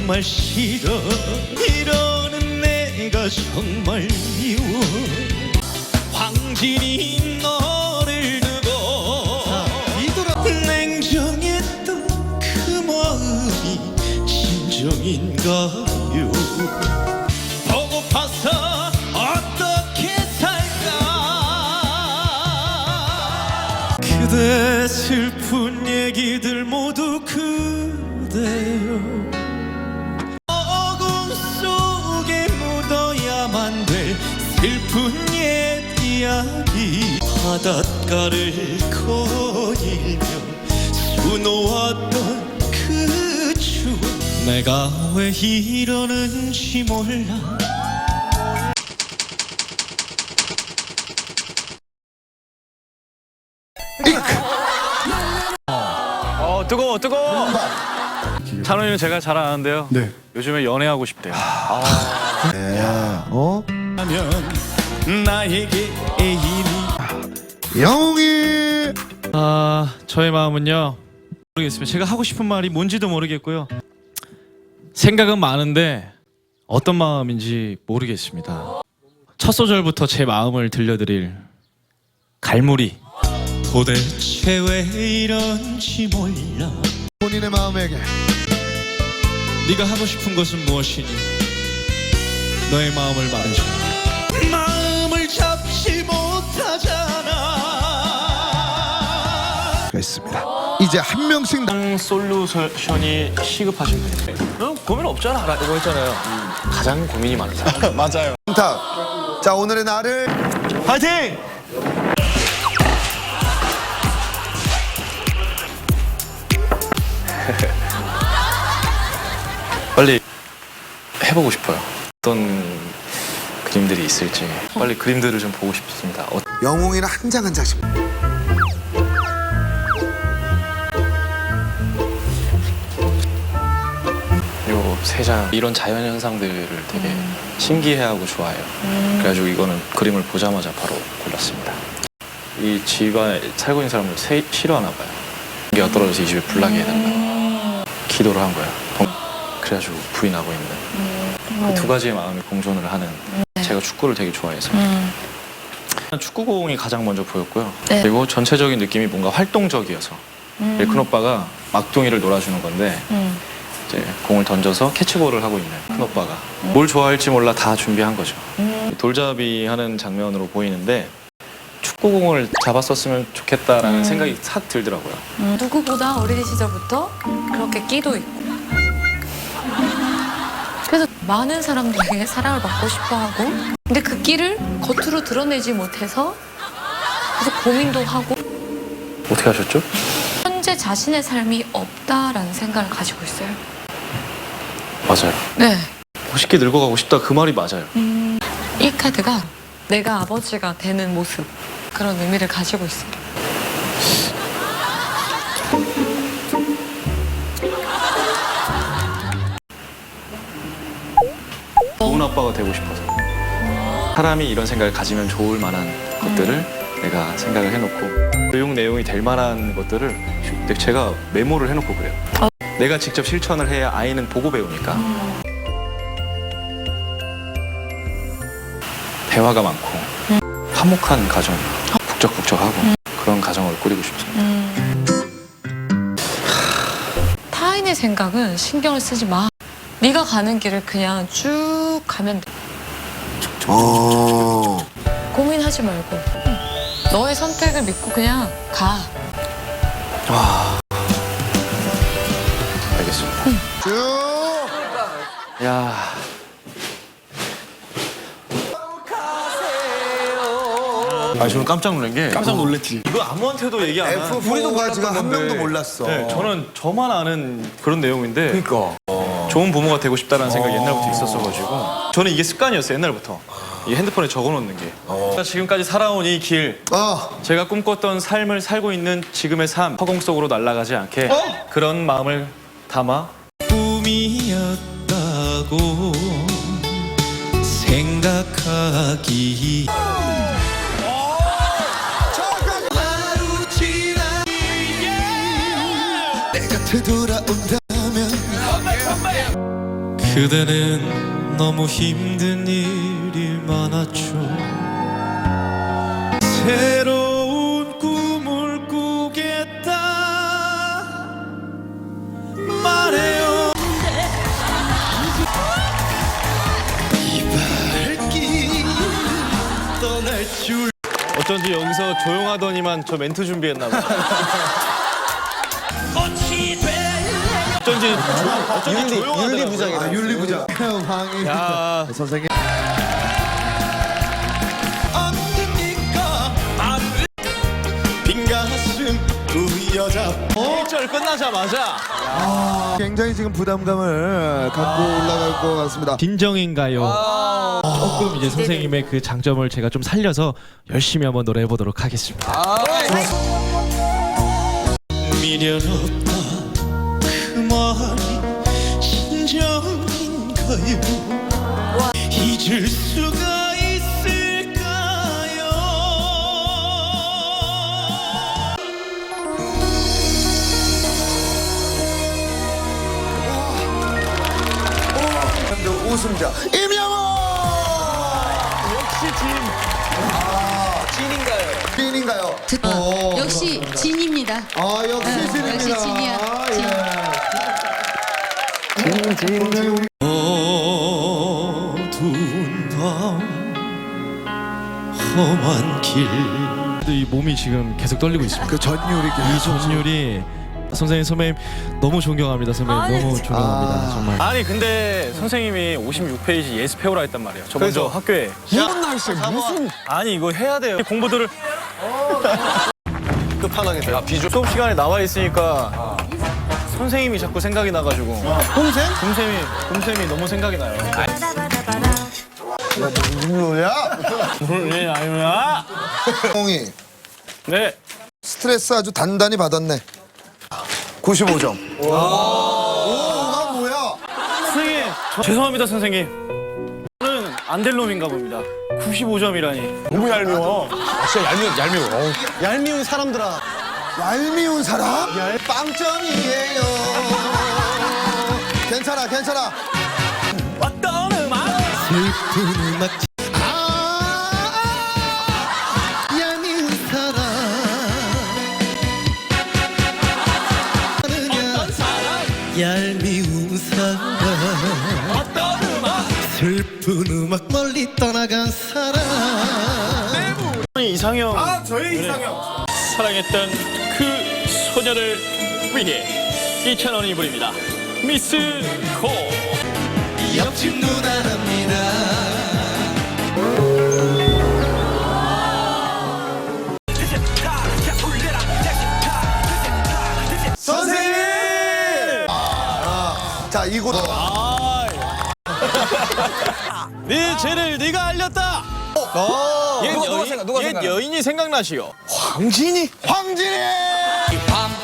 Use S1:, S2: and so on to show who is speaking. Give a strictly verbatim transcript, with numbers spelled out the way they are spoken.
S1: 정말 싫어. 이러는 내가 정말 미워. 황진이 너를 두고 냉정했던 그 마음이 진정인가요? 보고파서 어떻게 살까? 그대 슬픈 얘기들 모두 그대요. 어둠 속에 묻어야만 될 슬픈 옛 이야기. 바닷가를 거닐며 수놓았던 그 추억. 내가 왜 이러는지 몰라.
S2: 어 뜨거워 뜨거워. 찬원이는 제가 잘 아는데요.
S3: 네.
S2: 요즘에 연애하고 싶대요. 아.
S3: 네. 어?
S1: 하면 나에게 애인이.
S3: 영웅이.
S1: 아, 저의 마음은요, 모르겠습니다. 제가 하고 싶은 말이 뭔지도 모르겠고요. 생각은 많은데 어떤 마음인지 모르겠습니다. 첫 소절부터 제 마음을 들려드릴 갈무리. 도대체 왜 이런지 몰라.
S3: 본인의 마음에게.
S1: 네가 하고 싶은 것은 무엇이니? 너의 마음을 말해줘. 마음을 잡지 못하잖아.
S3: 있습니다. 이제 한 명씩.
S2: 가장 솔루션이 시급하신 분인데 너 고민 없잖아 라고 했잖아요. 음, 가장 고민이 많은 사람.
S3: 맞아요. 자, 자 오늘의 나를.
S1: 파이팅!
S2: 빨리 해보고 싶어요. 어떤 그림들이 있을지 빨리 그림들을 좀 보고 싶습니다. 어,
S3: 영웅이는 한 장 한 장씩.
S2: 요 세 장 이런 자연 현상들을 되게 음. 신기해하고 좋아해요. 음. 그래가지고 이거는 그림을 보자마자 바로 골랐습니다. 이 집안에 살고 있는 사람을 세, 싫어하나 봐요. 공기가 떨어져서 이 집에 불나게 해달라. 음. 기도를 한 거예요. 그래가지고 불이 나고 있는 음. 그 두 가지의 마음이 공존을 하는. 음. 제가 축구를 되게 좋아해서 음. 축구공이 가장 먼저 보였고요. 네. 그리고 전체적인 느낌이 뭔가 활동적이어서 음. 큰 오빠가 막둥이를 놀아주는 건데 음. 이제 공을 던져서 캐치볼을 하고 있는 큰 오빠가 음. 뭘 좋아할지 몰라 다 준비한 거죠. 음. 돌잡이 하는 장면으로 보이는데 축구공을 잡았었으면 좋겠다라는 음. 생각이 싹 들더라고요.
S4: 음. 누구보다 어린 시절부터 그렇게 끼도 있고 그래서 많은 사람들에게 사랑을 받고 싶어하고 근데 그 끼를 겉으로 드러내지 못해서 계속 고민도 하고.
S2: 어떻게 하셨죠?
S4: 현재 자신의 삶이 없다라는 생각을 가지고 있어요.
S2: 맞아요.
S4: 네.
S2: 멋있게 늙어가고 싶다 그 말이 맞아요.
S4: 음, 이 카드가 내가 아버지가 되는 모습 그런 의미를 가지고 있어요.
S2: 좋은 아빠가 되고 싶어서 사람이 이런 생각을 가지면 좋을 만한 것들을 내가 생각을 해놓고 교육 내용이 될 만한 것들을 제가 메모를 해놓고 그래요. 내가 직접 실천을 해야 아이는 보고 배우니까. 대화가 많고 화목한 가정, 북적북적하고 그런 가정을 꾸리고 싶습니다.
S4: 타인의 생각은 신경을 쓰지 마. 네가 가는 길을 그냥 쭉 가면 돼.
S3: 어.
S4: 고민하지 말고 너의 선택을 믿고 그냥 가.
S2: 와. 알겠습니다.
S4: 응.
S3: 쭉.
S2: 야. 아, 저는 깜짝 놀란 게
S1: 깜짝 놀랐지.
S2: 이거 아무한테도 얘기 안 한.
S3: 에프 포가 지금 한 명도 몰랐어.
S2: 네, 저는 저만 아는 그런 내용인데.
S3: 그러니까.
S2: 좋은 부모가 되고 싶다는 생각이 옛날부터 있었어가지고 저는 이게 습관이었어요. 옛날부터 이 핸드폰에 적어놓는 게. 제가 지금까지 살아온 이 길,
S3: 어.
S2: 제가 꿈꿨던 삶을 살고 있는 지금의 삶, 허공 속으로 날아가지 않게
S3: 어?
S2: 그런 마음을 담아
S1: 꿈이었다고 생각하기. 하루 지나 내가 되돌아온다면 그대는 너무 힘든 일이 많았죠. 새로운 꿈을 꾸겠다 말해요. 이 발길 떠날 줄.
S2: 어쩐지 여기서 조용하더니만 저 멘트 준비했나 봐. 어쩐지 어쩐지 조용하더라고요.
S3: 아, 윤리부장.
S2: 야,
S3: 선생님.
S1: 언제니까 나를 빈 가슴 부여잡.
S2: 일 절 끝나자마자
S3: 굉장히 지금 부담감을 갖고 올라갈 것 같습니다.
S5: 진정인가요? 조금 이제 선생님의 그 장점을 제가 좀 살려서 열심히 한번 노래해 보도록 하겠습니다.
S1: 미련 없다 그 말이 진정인가요? 잊을 수가 있을까요?
S3: 우승자 임영호.
S2: 역시 진. 찐인가요?
S3: 찐인가요? 어.
S6: 역시 진입니다.
S3: 아 역시 진입니다.
S6: 역시 진이야.
S3: 아, 예.
S1: 어두운 밤 험한 길.
S5: 이 몸이 지금 계속 떨리고 있습니다.
S3: 그 전율이
S5: 이 전율이 선생님 선배님 너무 존경합니다. 선배님 너무 존경합니다.
S3: 아.
S5: 정말.
S2: 아니 근데 선생님이 오십육 페이지 예습 해오라 했단 말이에요. 저 먼저 학교에.
S3: 무슨 날씨야 무슨
S2: 아니 이거 해야 돼요. 공부들을 끝판왕이 야 비주 수업 시간에 나와 있으니까 선생님이 자꾸 생각이 나가지고
S3: 홈생?
S2: 곰쌤이 곰쌤이 너무 생각이 나요.
S3: 무슨 노래야?
S2: 네 아유야.
S3: 홍이
S2: 네.
S3: 스트레스 아주 단단히 받았네. 구십오 점. 오, 나 뭐야?
S2: 선생님 저, 죄송합니다 선생님. 저는 안 될 놈인가 봅니다. 구십오 점이라니.
S3: 너무 얄미워.
S2: 진짜 얄미워 얄미워.
S3: 얄미운 사람들아. 얄미운 사람? 빵점이에요. 괜찮아, 괜찮아.
S2: 어떤 음악?
S1: 슬픈 음악.
S3: 아, 얄미운 사람.
S2: 어떤 사람?
S1: 얄미운 사람.
S2: 어떤 음악?
S1: 슬픈 음악 멀리 떠나간 사람.
S2: 이상형. 아 저희 이상형. 사랑했던 그 소녀를 위해 이찬원이 부릅니다. 미스 코.
S1: 옆집 누나랍니다.
S3: 선생님! 아, 자, 이곳.
S2: 네 죄를 네가 알렸다.
S3: 어,
S2: 옛 여인, 옛 여인이 생각나시오.
S3: 황진이? 황진이!
S1: 밤